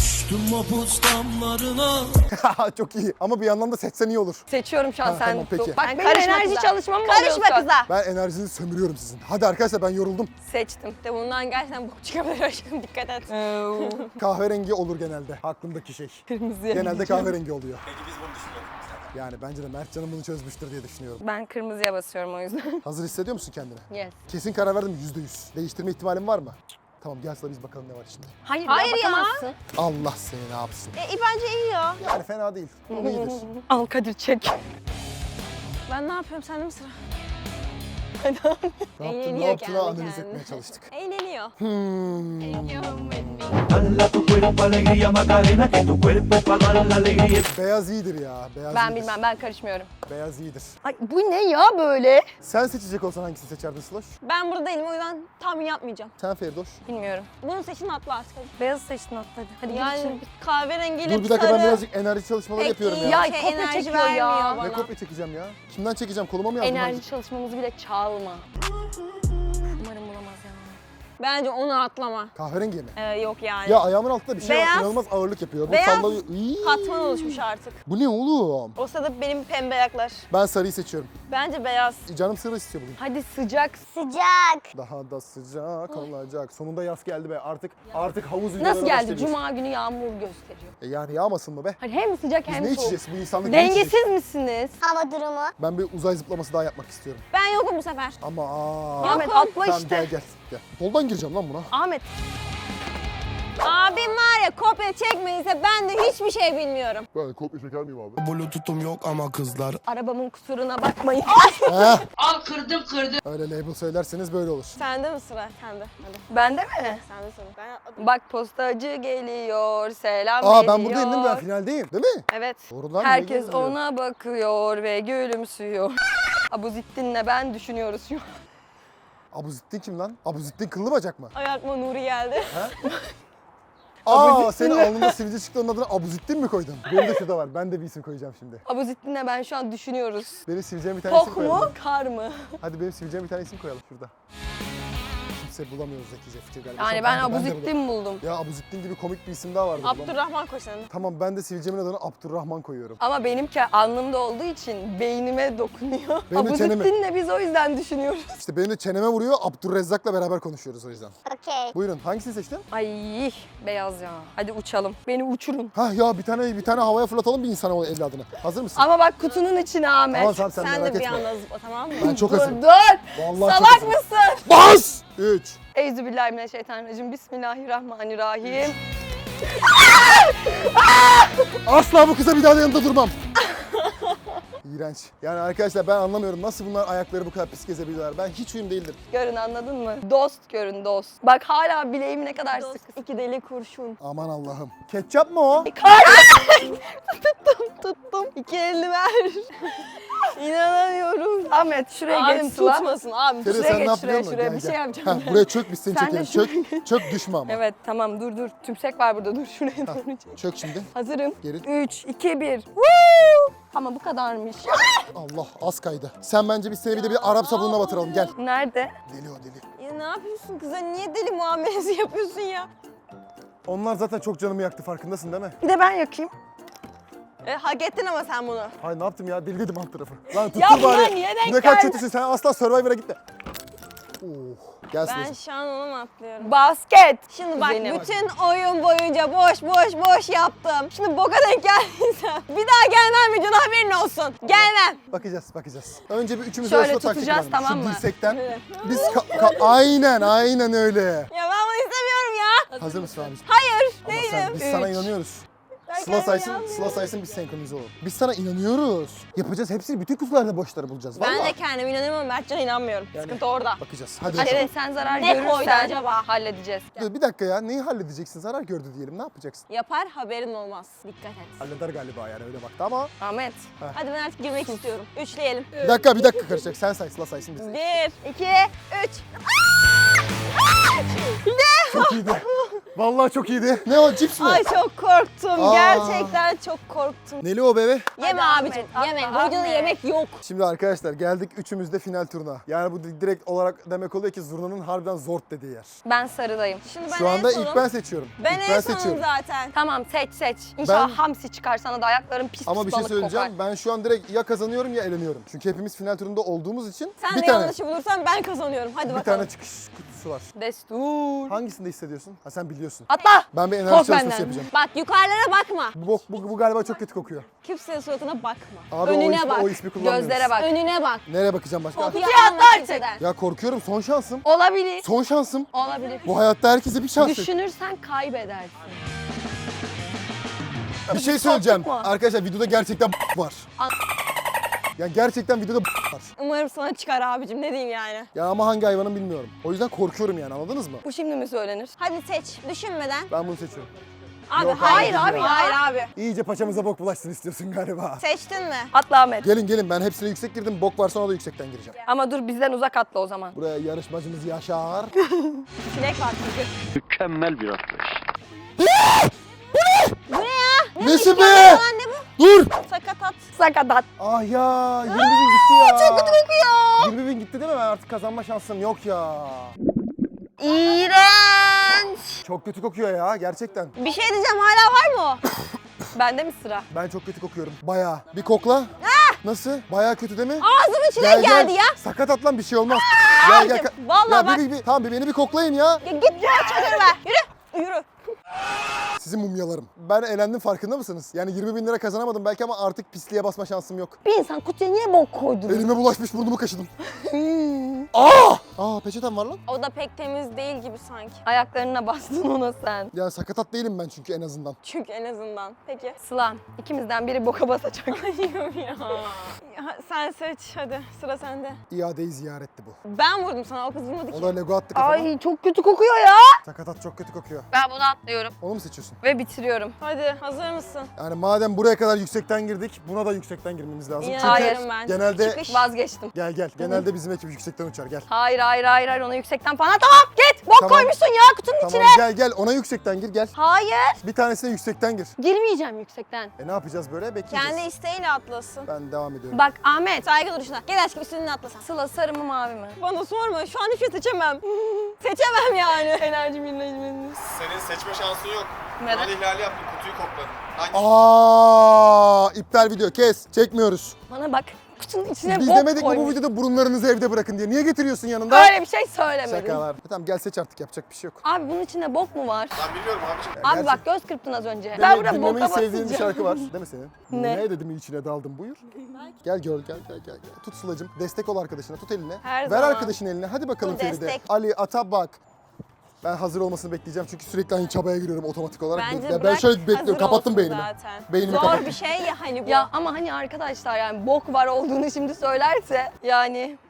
A: Çok iyi. Ama bir yandan da seçsen iyi olur.
C: Seçiyorum şu an
A: Ha,
C: sen.
A: tamam, peki.
C: Bak
B: Sen
C: benim
B: karışma
C: enerji
B: kıza.
C: çalışmam mı
B: Karışma
C: oluyorsa?
B: kıza.
A: Ben enerjinizi sömürüyorum sizin. Hadi arkadaşlar, ben yoruldum.
C: Seçtim.
B: De bundan gerçekten bok çıkabilir aşkım, dikkat et.
A: Kahverengi olur genelde. Aklımdaki şey.
C: Kırmızıya
A: Genelde
C: gideceğim.
A: kahverengi oluyor. Peki biz bunu düşünüyoruz. Yani bence de Mertcan'ın bunu çözmüştür diye düşünüyorum.
C: Ben kırmızıya basıyorum o yüzden.
A: Hazır hissediyor musun kendini?
C: Yes.
A: Kesin karar verdim mi? yüzde yüz. Değiştirme ihtimalin var mı? Tamam, gel Sıla, biz bakalım ne var içinde.
C: Hayır,
B: Hayır
C: ya,
B: ya.
C: bakamazsın.
A: Allah seni ne yapsın.
B: E, bence iyi ya.
A: Yani fena değil. Ama iyidir.
C: Al Kadir çek.
B: Ben ne yapıyorum, sende mi sıra?
A: Ne yaptın, ne
B: Eğleniyor
A: yaptığını
B: kendi
A: analiz
B: kendine.
A: etmeye çalıştık.
B: Eğleniyor.
A: Hmm.
F: Dala tu cuerpo alegría Macarena, que tu cuerpo es para dar la alegría.
A: Beyaz iyidir ya. Beyaz
C: Ben
A: iyidir.
C: bilmem, ben karışmıyorum.
A: Beyaz iyidir.
C: Ay bu ne ya böyle?
A: Sen seçecek olsan hangisini seçerdin Sloş?
B: Ben burada değilim, o yüzden tahmin yapmayacağım.
A: Sen Ferdoş.
C: Bilmiyorum.
B: Bunu seçin, atla artık hadi.
C: Beyaz seçtin atladı. Hadi
B: Yani
C: yani...
B: kahverengiyle
A: Dur bir dakika,
B: sarı
A: ben birazcık enerji çalışmaları
B: pek
A: yapıyorum
B: iyi
A: ya.
C: Ya,
B: şey,
C: kopya
B: enerji
C: çekiyor ya.
B: vermiyor
A: Ne
B: bana.
A: kopya çekeceğim ya? Kimden çekeceğim? Koluma mı yazdım?
C: Enerji çalışmamızı bile çalma. Umarım bulamaz ya.
B: Bence onu atlama.
A: Kahverengi mi?
B: Ee, yok yani.
A: Ya ayağımın altında bir şey var,
B: Beyaz.
A: inanılmaz ağırlık yapıyor. Bu
B: Beyaz.
A: sallıyor. İyi.
B: Katman oluşmuş artık.
A: Bu ne oğlum?
B: O sırada benim pembe ayaklar.
A: Ben sarıyı seçiyorum.
B: Bence beyaz.
A: Canım sarı istiyor bugün.
C: Hadi sıcak.
E: Sıcak.
A: Daha da sıcak olacak. Sonunda yaz geldi be. Artık artık havuz videoları
C: Nasıl geldi?
A: başlayabilir.
C: Cuma günü yağmur gösteriyor.
A: E yani yağmasın mı be?
C: Hani hem sıcak
A: Biz
C: hem
A: ne
C: soğuk.
A: içeceğiz? Bu insanlık ne içecek?
C: Dengesiz misiniz?
E: Hava durumu.
A: Ben bir uzay zıplaması daha yapmak istiyorum.
B: Ben yokum bu sefer.
A: Ama aa.
C: Ahmet atla
A: Tamam,
C: işte.
A: gel gel. Gel. Soldan gireceğim lan buna.
C: Ahmet.
B: Abim var ya, kopya çekmediyse ben de hiçbir şey bilmiyorum.
A: Ben kopya çeker miyim abi?
G: Bluetooth'um yok ama kızlar
C: Arabamın kusuruna bakmayın.
A: Heh.
H: Al kırdım kırdım.
A: Öyle label söylerseniz böyle olur.
B: Sende mi sıra? Sende. Hadi.
C: Bende mi?
B: Sende sıra. Ben atladım.
C: Bak postacı geliyor, selam
A: Aa
C: veriyor.
A: ben buradayım değil mi? Ben finaldeyim. Değil mi?
C: Evet.
A: Doğrudan
C: Herkes
A: niye gelmiyor?
C: ona bakıyor ve gülümsüyor. Abuzittin'le ben düşünüyoruz şu an.
A: Abuzittin kim lan? Abuzittin kıllı bacak mı?
B: Ayakma Nuri geldi.
A: Aa senin alnında sivilce çıktı, onun adına Abuzittin mi koydun? Benim de şurada var. Ben de bir isim koyacağım şimdi.
C: Abuzittin'le ben şu an düşünüyoruz.
A: Benim sivilceme bir tane isim
C: Tok
A: koyalım.
C: mu, kar mı?
A: Hadi benim sivilceme bir tane isim koyalım şurada. Kimse bulamıyoruz zekice fikir galiba.
C: Yani
A: Şu an
C: ben
A: de- de
C: Abuzittin buldum.
A: bulam- Ya Abuzittin gibi komik bir isim daha vardı. bulam-
B: Abdurrahman koş sen de.
A: Tamam, ben de sivilcemin adını Abdurrahman koyuyorum.
C: Ama benimki alnımda olduğu için beynime dokunuyor.
A: Benim de çeneme.
C: Abuzittin'le biz o yüzden düşünüyoruz.
A: İşte benim de çeneme vuruyor, Abdurrezzak'la beraber konuşuyoruz o yüzden.
E: Okey.
A: Buyurun, hangisini seçtin?
C: Ay beyaz ya. Hadi uçalım. Beni uçurun.
A: Hah ya bir tane bir tane havaya fırlatalım bir insana o evladını. Hazır mısın?
C: Ama bak kutunun içine Ahmet.
A: Tamam tamam sen,
B: Sen
A: merak
B: de bir
A: etme.
B: anda zıpla, tamam mı?
A: Ben çok
C: dur
A: hazırım.
C: dur.
A: Vallahi çok
C: Salak
A: hazırım.
C: mısın?
A: Bas! üç.
C: Euzubillahimineşşeytanirracim. Bismillahirrahmanirrahim.
A: Asla bu kıza bir daha da yanında durmam. İğrenç. Yani arkadaşlar ben anlamıyorum nasıl bunlar ayakları bu kadar pis gezebiliyorlar. Ben hiç uyum değildir.
C: Görün anladın mı? Dost görün dost. Bak hala bileğim ne kadar sık.
B: İki deli kurşun.
A: Aman Allah'ım. Ketçap mı o?
C: tuttum tuttum.
B: İki elini ver. İnanamıyorum.
C: Ahmet şuraya
B: Abim
C: geç Sıla.
B: tutmasın abim.
A: Feri
C: Şuraya
A: sen ne
C: geç,
A: yap
C: şuraya,
A: biliyor musun?
C: şuraya.
A: Gel,
C: Bir şey
A: gel.
C: yapacağım.
A: Heh, buraya çök biz seni
C: Sen de
A: çekelim.
C: şuraya
A: Çök, çök düşme ama.
C: Evet tamam dur dur. Tümsek var burada dur şuraya doğru çek.
A: Çök şimdi.
C: Hazırım.
A: Geri.
C: üç, iki, bir. Woo! Ama bu kadarmış.
A: Allah az kaydı. Sen bence biz seni bir de bir Arap sabununa batıralım gel.
C: Nerede?
A: Deli o deli.
B: Ya ne yapıyorsun kıza? Niye deli muamelesi yapıyorsun ya?
A: Onlar zaten çok canımı yaktı, farkındasın değil mi?
C: Bir de ben yakayım.
B: E, hak ettin ama sen bunu.
A: Hayır ne yaptım ya, deli dedim alt tarafı. Lan tuttur
C: Ya bunlar
A: bari.
C: niye denk
A: Ne kadar
C: geldi?
A: kötüsün sen, asla Survivor'a gitme. Oh, gel
B: Ben
A: Sıla'cığım.
B: şu an ona mı atlıyorum?
C: Basket.
B: Şimdi bak
C: Kuzeyine bak.
B: bütün oyun boyunca boş boş boş yaptım. Şimdi boka denk geldiysem bir daha gelmem videona, haberin olsun. Gelmem.
A: Bakacağız, bakacağız. Önce bir üçümüz
C: Şöyle
A: arasında taktik
C: tutacağız,
A: var.
C: tamam
A: Şu
C: mı?
A: dirsekten.
B: Evet.
A: Biz ka- ka- aynen, aynen öyle.
B: Ya ben bunu istemiyorum ya.
A: Hazır mısın abiciğim?
B: Hayır.
A: Ama sen,
B: Değilim.
A: biz sana
C: Üç.
A: inanıyoruz.
B: Ben
A: Sıla
B: kendime
A: saysın,
B: inanmıyorum.
A: Sıla saysın biz senkronize olalım. Biz sana inanıyoruz. Yapacağız hepsini, bütün kutularda boşları bulacağız.
B: Ben
A: Vallahi.
B: de kendime inanıyorum ama Mertcan'a inanmıyorum.
A: Yani-
B: Sıkıntı orada.
A: Bakacağız. Hadi.
C: Hadi
A: bakalım.
C: sen zarar
B: Ne
C: görürsen
B: koydu acaba?
C: halledeceğiz.
A: Dur bir dakika ya. Neyi halledeceksin? Zarar gördü diyelim. Ne yapacaksın?
B: Yapar, haberin olmaz. Dikkat et.
A: Halleder galiba yani, öyle baktı ama.
C: Ahmet.
B: Hadi ben artık girmek istiyorum. Üçleyelim.
A: Bir dakika, bir dakika karışacak. Sen say, Sıla saysın biz.
B: Bir, iki, üç.
A: Çok iyiydi. Vallahi çok iyiydi. Ne o, cips mi?
B: Ay çok korktum.
A: Aa.
B: Gerçekten çok korktum.
A: Neli o bebe?
B: Yeme
C: Hadi
B: abicim.
C: Ahmet,
B: Yeme.
C: atla
B: Bu videoda
C: Ahmet.
B: yemek yok.
A: Şimdi arkadaşlar geldik üçümüz de final turuna. Yani bu direkt olarak demek oluyor ki zurnanın harbiden zort dediği yer.
C: Ben sarıdayım.
B: Şimdi ben
A: Şu anda
B: en sonum.
A: ilk ben seçiyorum.
B: Ben
A: ilk
B: en
A: ben
B: sonum
A: seçiyorum.
B: zaten.
C: Tamam seç seç. İnşallah
A: Ben-
C: hamsi çıkar sana da ayakların pis
A: Ama
C: pis
A: bir şey
C: balık
A: söyleyeceğim.
C: kokar.
A: Ben şu an direkt ya kazanıyorum ya eleniyorum. Çünkü hepimiz final turunda olduğumuz için
B: Sen
A: bir
B: de
A: tane
B: yanlışı bulursan ben kazanıyorum. Hadi
A: bir
B: bakalım.
A: tane çıkış kutusu var.
C: Destur.
A: Hangisinde hissediyorsun? Ha sen biliyorsun.
C: Atla.
A: Ben bir enerji
C: Kork
A: çalışması
C: benden.
A: yapacağım.
B: Bak yukarılara bakma.
A: Bu, bok- bu, bu galiba çok kötü kokuyor.
B: Kimsenin suratına bakma.
A: Abi o
B: Önüne
A: ismi,
B: bak.
A: o ismi kullanmıyoruz.
C: Gözlere bak.
B: Önüne bak.
A: Nereye bakacağım başka?
B: Kopya
C: Kutuya
B: alma
C: atla
B: kimseden.
A: Ya korkuyorum, son şansım.
C: Olabilir.
A: Son şansım.
C: Olabilir.
A: Bu hayatta herkese bir şans.
C: Düşünürsen kaybedersin.
A: Bir şey söyleyeceğim.
C: Korktuk mu?
A: Arkadaşlar videoda gerçekten var.
C: An-
A: Ya gerçekten videoda var.
B: Umarım sana çıkar abicim, ne diyeyim yani.
A: Ya ama hangi hayvanın bilmiyorum. O yüzden korkuyorum yani, anladınız mı?
C: Bu şimdi mi söylenir?
B: Hadi seç, düşünmeden.
A: Ben bunu seçiyorum.
B: Abi
A: Yok,
B: hayır
A: hayır
B: abi
A: ya.
B: Hayır abi.
A: İyice paçamıza bok bulaşsın istiyorsun galiba.
B: Seçtin mi?
C: Atla Ahmet.
A: Gelin gelin, ben hepsine yüksek girdim. Bok varsa ona da yüksekten gireceğim.
C: Ama dur bizden uzak atla o zaman.
A: Buraya yarışmacımız Yaşar.
B: Çilek var çünkü.
D: Mükemmel bir atlayış.
B: Bu ne ya?
A: Nesi
B: mükemmel
A: be?
B: olan ne bu?
A: Dur!
B: Sakatat.
C: Sakatat.
A: Ah ya, yirmi bin gitti ya.
B: Çok kötü kokuyor.
A: yirmi bin gitti değil mi? Ben artık kazanma şansım yok ya.
B: İğrenç.
A: Çok kötü kokuyor ya, gerçekten.
B: Bir şey diyeceğim, hala var mı o?
C: Bende mi sıra?
A: Ben çok kötü kokuyorum. Bayağı. Bir kokla. Nasıl? Bayağı kötü değil mi?
B: Ağzımın içine geldi ya.
A: Sakat atlan, bir şey olmaz. Gel gel.
B: Abicim, vallahi
A: ya,
B: bak-
A: Bir, bir, bir, tamam bir beni bir koklayın ya.
B: Ya git ya çadırı ver. Yürü. Yürü.
A: Sizin mumyalarım. Ben elendim, farkında mısınız? Yani yirmi bin lira kazanamadım belki ama artık pisliğe basma şansım yok.
C: Bir insan kutuya niye bok koydun?
A: Elime bulaşmış, burnumu kaşıdım. Aa! Aa, peçetem var lan.
B: O da pek temiz değil gibi sanki.
C: Ayaklarına bastın ona sen.
A: Yani sakatat değilim ben çünkü en azından.
B: Çünkü en azından. Peki.
C: Sıla, ikimizden biri boka basacak.
B: Ayım ya. Ya sen seç hadi, sıra sende.
A: İadeyi ziyaretti bu.
B: Ben vurdum sana, o kız vurmadı
A: O
B: ki.
A: da Lego attı kafama.
C: Ay çok kötü kokuyor ya.
A: Sakatat çok kötü kokuyor.
C: Ben bunu atlıyorum
A: Onu mu seçiyorsun?
C: ve bitiriyorum.
B: Hadi, hazır mısın?
A: Yani madem buraya kadar yüksekten girdik, buna da yüksekten girmemiz lazım.
B: İyi,
A: Çünkü
C: hayır.
B: ben.
A: genelde...
B: Çıkış.
C: Vazgeçtim.
A: Gel gel. Genelde bizim ekip yüksekten uçar, gel.
C: Hayır hayır hayır hayır ona yüksekten falan. Tamam git. Bok
A: Tamam.
C: koymuşsun ya kutunun
A: Tamam
C: içine.
A: gel gel, ona yüksekten gir, gel.
C: Hayır.
A: Bir tanesine yüksekten gir.
C: Girmeyeceğim yüksekten.
A: E ne yapacağız böyle? Bekleyeceğiz.
B: Kendi isteğiyle atlasın.
A: Ben devam ediyorum.
C: Bak Ahmet.
B: Saygı duruşuna. Gel aşkım, üstüne atlasan.
C: Sıla sarı mı mavi mi?
B: Bana sorma, şu an hiçbir şey seçemem. Seçemem yani.
C: Enerjim yine
G: Senin seçme şansın yok.
C: Neden?
G: Kural ihlali yaptın, kutuyu kokladın. Hadi.
A: Aa, iptal video, kes. Çekmiyoruz.
C: Bana bak. Kutunun içine
A: Biz
C: bok
A: demedik mi bu
C: koymuş.
A: videoda burunlarınızı evde bırakın diye? Niye getiriyorsun yanında?
C: Öyle bir şey söylemedim.
A: Şakalar. Tamam gel, seç artık, yapacak bir şey yok.
C: Abi bunun içinde bok mu var?
G: Ben biliyorum abiciğim.
A: Ya
C: Abi
A: gerçek-
C: bak göz kırptın az önce.
A: Dinle-
C: Ben burada
A: dinlemeyi
C: boka
A: sevdiğin bir
C: basacağım.
A: şarkı var değil mi senin?
C: Ne?
A: Ne dedim, içine daldım, buyur. Gel gör, gel gel gel. gel. Tut Sıla'cığım, destek ol arkadaşına, tut eline.
B: Her
A: Ver
B: zaman.
A: arkadaşın eline, hadi bakalım
B: Bu
A: Feride.
B: destek.
A: Ali, ata bak. Ben hazır olmasını bekleyeceğim çünkü sürekli aynı çabaya giriyorum otomatik olarak.
B: Bence
A: Ya ben
B: bırak,
A: şöyle bekliyorum,
B: hazır
A: kapattım
B: olsun
A: beynimi.
B: zaten.
A: Beynimi
B: Zor
A: kapattım.
B: bir şey ya hani bu.
C: Ya ama hani arkadaşlar yani bok var olduğunu şimdi söylerse yani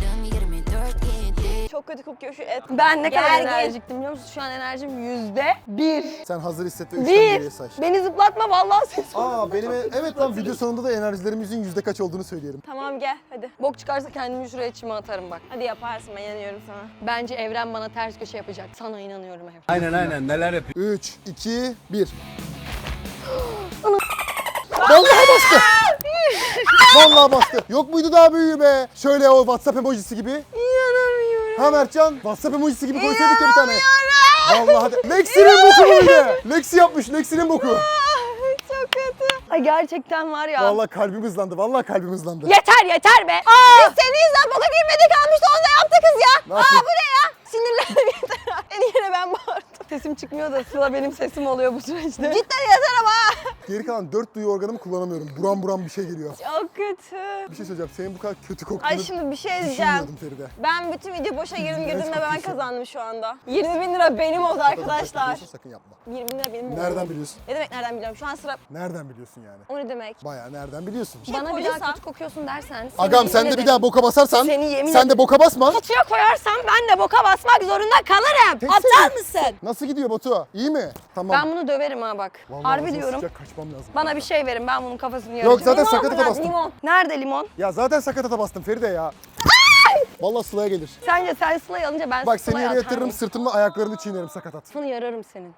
B: Çok kötü kokuyor şu et.
C: ben ne kadar
B: Gergin.
C: enerjiktim biliyor musun? Şu an enerjim yüzde bir.
A: Sen hazır hisset ve üçten
C: Bir.
A: geriye say.
C: Beni zıplatma vallahi ses.
A: Aa benim evet lan, video sonunda da enerjilerimizin yüzde kaç olduğunu söyleyelim.
B: Tamam gel hadi.
C: Bok çıkarsa kendimi şuraya çime atarım bak.
B: Hadi yaparsın, ben inanıyorum sana.
C: Bence evren bana ters köşe yapacak. Sana inanıyorum evren.
D: Aynen aynen neler yapıyor.
A: üç, iki, bir. Vallahi bastı. Vallahi bastı. Yok muydu daha büyüğü be? Şöyle o WhatsApp emojisi gibi.
B: İnanamıyorum.
A: Ha Mertcan, WhatsApp emojisi gibi koysaydık ya bir tane. Vallahi hadi. Lexi'nin boku bu bir de. Lexi yapmış, Lexi'nin boku.
B: Çok kötü.
C: Ay gerçekten var ya.
A: Vallahi kalbim hızlandı, vallahi kalbim hızlandı.
C: Yeter yeter be.
B: Biz senin yüzünden boka girmedik, almıştı onu da yaptı kız ya.
A: Ne
B: Aa
A: yapayım?
B: bu ne ya? Sinirlendim yeter. En yine ben bağırdım.
C: Sesim çıkmıyor da Sıla benim sesim oluyor bu süreçte.
B: Cidden yeter ama.
A: Geri kalan dört duyu organımı kullanamıyorum. Buram buram bir şey geliyor.
B: Çok kötü.
A: Bir şey söyleyeceğim, senin bu kadar kötü koktuğunu
B: Ay şimdi bir şey diyeceğim.
A: düşünmüyordum Feride.
B: Ben bütün video boşa girdim girdim
A: Evet,
B: ve ben
A: haklısın.
B: kazandım şu anda. yirmi bin lira benim oldu arkadaşlar.
A: Biliyorsun, sakın yapma.
B: yirmi bin lira benim oldu.
A: Nereden biliyorsun?
B: Ne demek nereden biliyorum? Şu an sıra...
A: Nereden biliyorsun yani?
B: O ne demek?
A: Bayağı nereden biliyorsun?
B: Şey
C: Bana bir
B: koysam-
C: daha kötü kokuyorsun dersen. seni
A: Agam
C: yemin
A: sen de bir
C: ederim-
A: daha boka basarsan
C: Seni yemin
A: sen de boka basma.
C: Kutuya koyarsam ben de boka basmak zorunda kalırım.
A: Tek
C: Aptal
A: seni-
C: mısın?
A: Nasıl gidiyor Batu? İyi mi? Tamam.
C: Ben bunu döverim ha bak.
A: Vallahi
C: Harbi
A: ağzına
C: diyorum.
A: sıcak, kaçmam lazım.
C: Bana bir şey verin ben bunun kafasını yaracağım.
A: Yok zaten
B: Limon
A: sakatata
B: bırak,
A: bastım.
B: limon.
C: Nerede limon?
A: Ya zaten sakatata bastım Feride ya. Vallahi Sıla'ya gelir.
C: Sence sen Sıla'yı alınca ben
A: Bak seni
C: Sıla'ya
A: yere
C: atar
A: yatırırım,
C: mıyım?
A: sırtımla ayaklarını çiğnerim sakatat.
C: Sını yararım senin.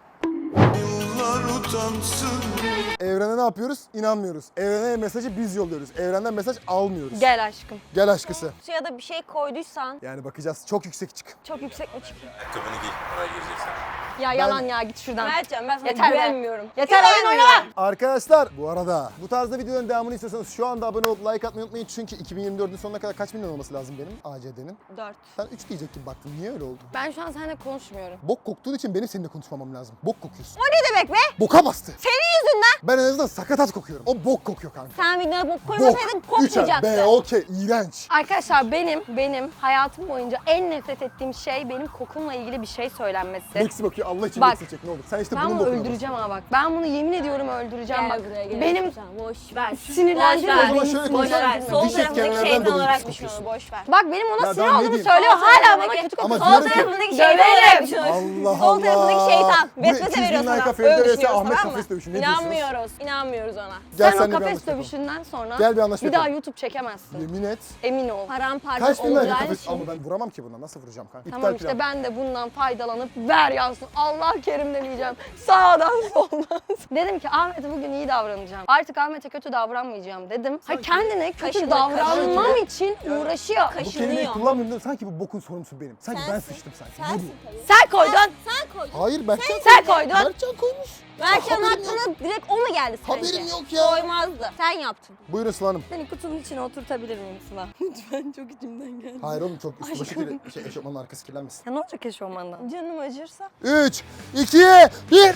A: Evrene ne yapıyoruz? İnanmıyoruz. Evrene mesajı biz yolluyoruz. Evrenden mesaj almıyoruz.
C: Gel aşkım.
A: Gel aşkısı.
B: Suya da bir şey koyduysan
A: Yani bakacağız. Çok yüksek çık.
C: Çok yüksek mi çıkıyor?
G: Ayakkabını giy. Oraya gireceksen.
C: Ya yalan ya git şuradan.
B: Mertcan ben sana
C: Yeter be.
B: güvenmiyorum.
C: Yeter oyun oynama.
A: Arkadaşlar bu arada bu tarzda videoların devamını istiyorsanız şu anda abone olup like atmayı unutmayın. Çünkü iki bin yirmi dördün sonuna kadar kaç milyon olması lazım benim A C D'nin?
B: Dört.
A: Sen üç diyecek gibi baktın. Niye öyle oldu?
C: Ben şu an seninle konuşmuyorum.
A: Bok koktuğun için benim seninle konuşmamam lazım. Bok kokuyorsun.
B: O ne demek be?
A: Boka bastı.
B: Senin yüzünden.
A: Ben en azından sakatat kokuyorum. O bok kokuyor kanka.
B: Sen videoda bok
A: Bok.
B: koymasaydın
A: Üç ay.
B: kokmayacaktı.
A: Be okey. İğrenç.
C: Arkadaşlar benim benim hayatım boyunca en nefret ettiğim şey benim kokumla ilgili bir şey söylenmesi.
A: Lexi bakıyor. Allah için
C: Bak.
A: Lexi çek ne olur. Sen işte
C: Ben
A: bunun
C: bunu
A: bokuna bas.
C: öldüreceğim ha bak. Ben bunu yemin ediyorum öldüreceğim
B: Gel
C: bak.
B: buraya gel.
C: Benim
B: boş ver.
C: sinirlendirme.
B: Boş ver.
A: O zaman
C: beni
A: şöyle
B: Boş ver.
A: konuşalım.
B: Sol
A: Diş
B: tarafındaki
A: etkenlerden
B: şeytan
A: dolayı
B: olarak
A: pis
B: düşün onu,
A: kokuyorsun.
B: boş ver.
C: Bak benim ona
A: Ya
C: sinir
A: daha ne
C: olduğumu
A: diyeyim?
C: söylüyor.
B: Sol
C: Hala bana
B: tarafındaki-
C: kötü
A: Ama
C: kokuyor.
B: Sol
A: diyorum ki-
B: tarafındaki şeytan olarak
C: Döverim.
B: düşün.
A: Allah
B: Sol tarafındaki
A: Allah.
B: şeytan.
A: Bu
B: Vesvese
A: ikiz
B: veriyor
A: bin
B: sana.
A: like'a
B: Öyle
A: Feride vs.
B: düşünüyoruz,
A: Ahmet
B: tamam mı?
A: kafes dövüşü. Ne diyorsunuz?
B: İnanmıyoruz. İnanmıyoruz ona.
A: Gel
C: Sen o
A: seninle bir
C: kafes
A: anlaşma yapalım.
C: dövüşünden sonra
A: Gel bir anlaşma
C: bir daha
A: yapalım.
C: YouTube çekemezsin.
A: Yemin et.
C: Emin ol.
B: Paramparça
A: Kaç bin like
B: olacağı
A: kafes?
B: için.
A: Ama ben vuramam ki buna. Nasıl vuracağım kanka?
C: Tamam
A: İptal
C: işte
A: plan.
C: ben de bundan faydalanıp ver yazsın. Allah kerimden diyeceğim. Sağdan soldan. Dedim ki Ahmet'e bugün iyi davranacağım. Artık Ahmet'e kötü davranmayacağım dedim. Ha kendine kötü
B: kaşındı,
C: davranmam
A: kaşındı.
C: için uğraşıyor.
A: Bu kelimeyi
B: Kaşınıyor.
A: kullanmıyorum değil mi? Sanki bu bokun sorumlusu benim. Sanki ben
B: Sensin.
A: sıçtım sanki.
B: Sensin
A: Ne bu?
B: tabii.
C: Sen koydun.
B: Sen koydun.
A: Hayır Berkcan.
C: Sen koydun.
A: Berkcan koymuş.
B: Mertcan'ın
A: Haberim yok.
B: aklına direkt o mu geldi sence?
A: Haberim yok ya.
B: Koymazdı. Sen yaptın.
A: Buyurun Sıla Hanım.
C: Seni kutunun içine oturtabilir miyim Sıla? Lütfen çok içimden geldi.
A: Hayır oğlum çok üstü başı
C: Aşkım.
A: kirli. Şey, eşofmanın arkası kirlenmesin.
C: Ya ne olacak eşofmandan?
B: Canım acırsa.
A: üç, iki, bir.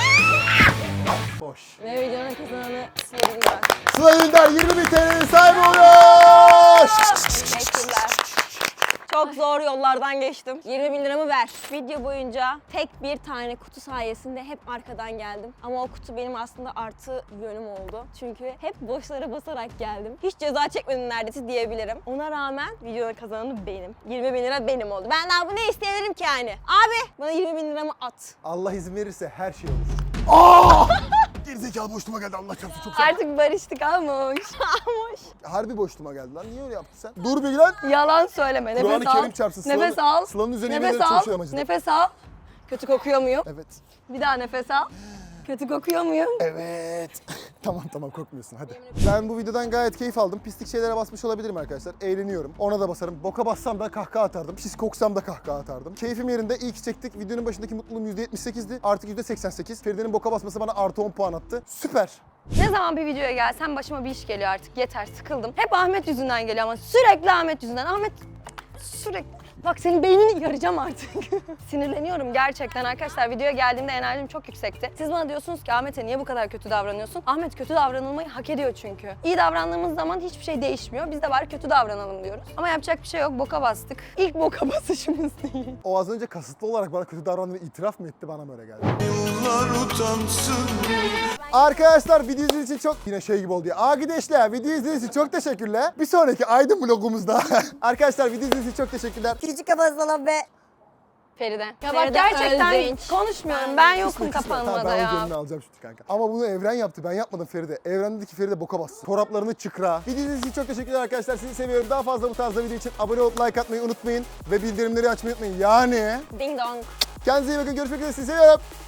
A: Boş.
B: Ve videonun kazananı sevgililer.
A: Sıla Ünder yirmi bin T L'nin sahibi oluyor.
B: Teşekkürler. Çok zor yollardan geçtim. yirmi bin liramı ver. Video boyunca tek bir tane kutu sayesinde hep arkadan geldim. Ama o kutu benim aslında artı yönüm oldu. Çünkü hep boşlara basarak geldim. Hiç ceza çekmedim neredeyse diyebilirim. Ona rağmen videonun kazananı benim. yirmi bin lira benim oldu. Ben daha bu ne isteyebilirim ki yani? Abi bana yirmi bin liramı at.
A: Allah izin verirse her şey olur. Aa! Gerizekalı boşluğuma geldi Allah çarpsın çok sağ ol.
C: Artık barıştık almış.
B: Almış.
A: Harbi boşluğuma geldi lan. Niye öyle yaptın sen? Dur bir lan.
C: Yalan söyleme. Nefes
A: Kur'an-ı
C: al.
A: Kerim çarpsın. Sıla'nın-
C: Nefes al.
A: Sıla'nın üzerine yemin
C: Nefes
A: ederim çok
C: al.
A: şey amacıdı.
C: Nefes al. Kötü kokuyor muyum?
A: Evet.
C: Bir daha nefes al. Kötü kokuyor muyum?
A: Evet. tamam tamam korkmuyorsun hadi. Ben bu videodan gayet keyif aldım. Pislik şeylere basmış olabilirim arkadaşlar. Eğleniyorum. Ona da basarım. Boka bassam da kahkaha atardım. Pis koksam da kahkaha atardım. Keyfim yerinde. İyi ki çektik. Videonun başındaki mutluluğum yüzde yetmiş sekizdi. Artık yüzde seksen sekiz. Feride'nin boka basması bana artı on puan attı. Süper.
C: Ne zaman bir videoya gelsem başıma bir iş geliyor artık. Yeter sıkıldım. Hep Ahmet yüzünden geliyor ama sürekli Ahmet yüzünden. Ahmet sürekli. Bak senin beynini yaracağım artık. Sinirleniyorum gerçekten arkadaşlar. Videoya geldiğimde enerjim çok yüksekti. Siz bana diyorsunuz ki Ahmet'e niye bu kadar kötü davranıyorsun? Ahmet kötü davranılmayı hak ediyor çünkü. İyi davrandığımız zaman hiçbir şey değişmiyor. Biz de bari kötü davranalım diyoruz. Ama yapacak bir şey yok. Boka bastık. İlk boka basışımız değil.
A: O az önce kasıtlı olarak bana kötü davrandığını itiraf mı etti bana böyle geldi. Arkadaşlar video izlediğiniz için çok yine şey gibi oldu ya. Arkadaşlar video izlediğiniz için çok teşekkürler. Bir sonraki Aydın vlogumuzda. Arkadaşlar video izlediğiniz için çok teşekkürler.
E: Küçük kafasına be.
C: Feride. Ya bak
B: Feride
C: gerçekten
B: Özdinç.
C: konuşmuyorum. Ben yokum
A: Kısmet, kısmet.
C: kapanmada
A: Tamam, ben
C: ya.
A: onun gönlünü alacağım şimdi kanka. Ama bunu Evren yaptı. Ben yapmadım Feride. Evren dedi ki Feride boka bassın. Çoraplarını çıkra. Video izlediğiniz için çok teşekkürler arkadaşlar. Sizi seviyorum. Daha fazla bu tarzda video için abone olup like atmayı unutmayın. Ve bildirimleri açmayı unutmayın. Yani
B: Ding dong.
A: kendinize iyi bakın. Görüşmek üzere. Sizi seviyorum.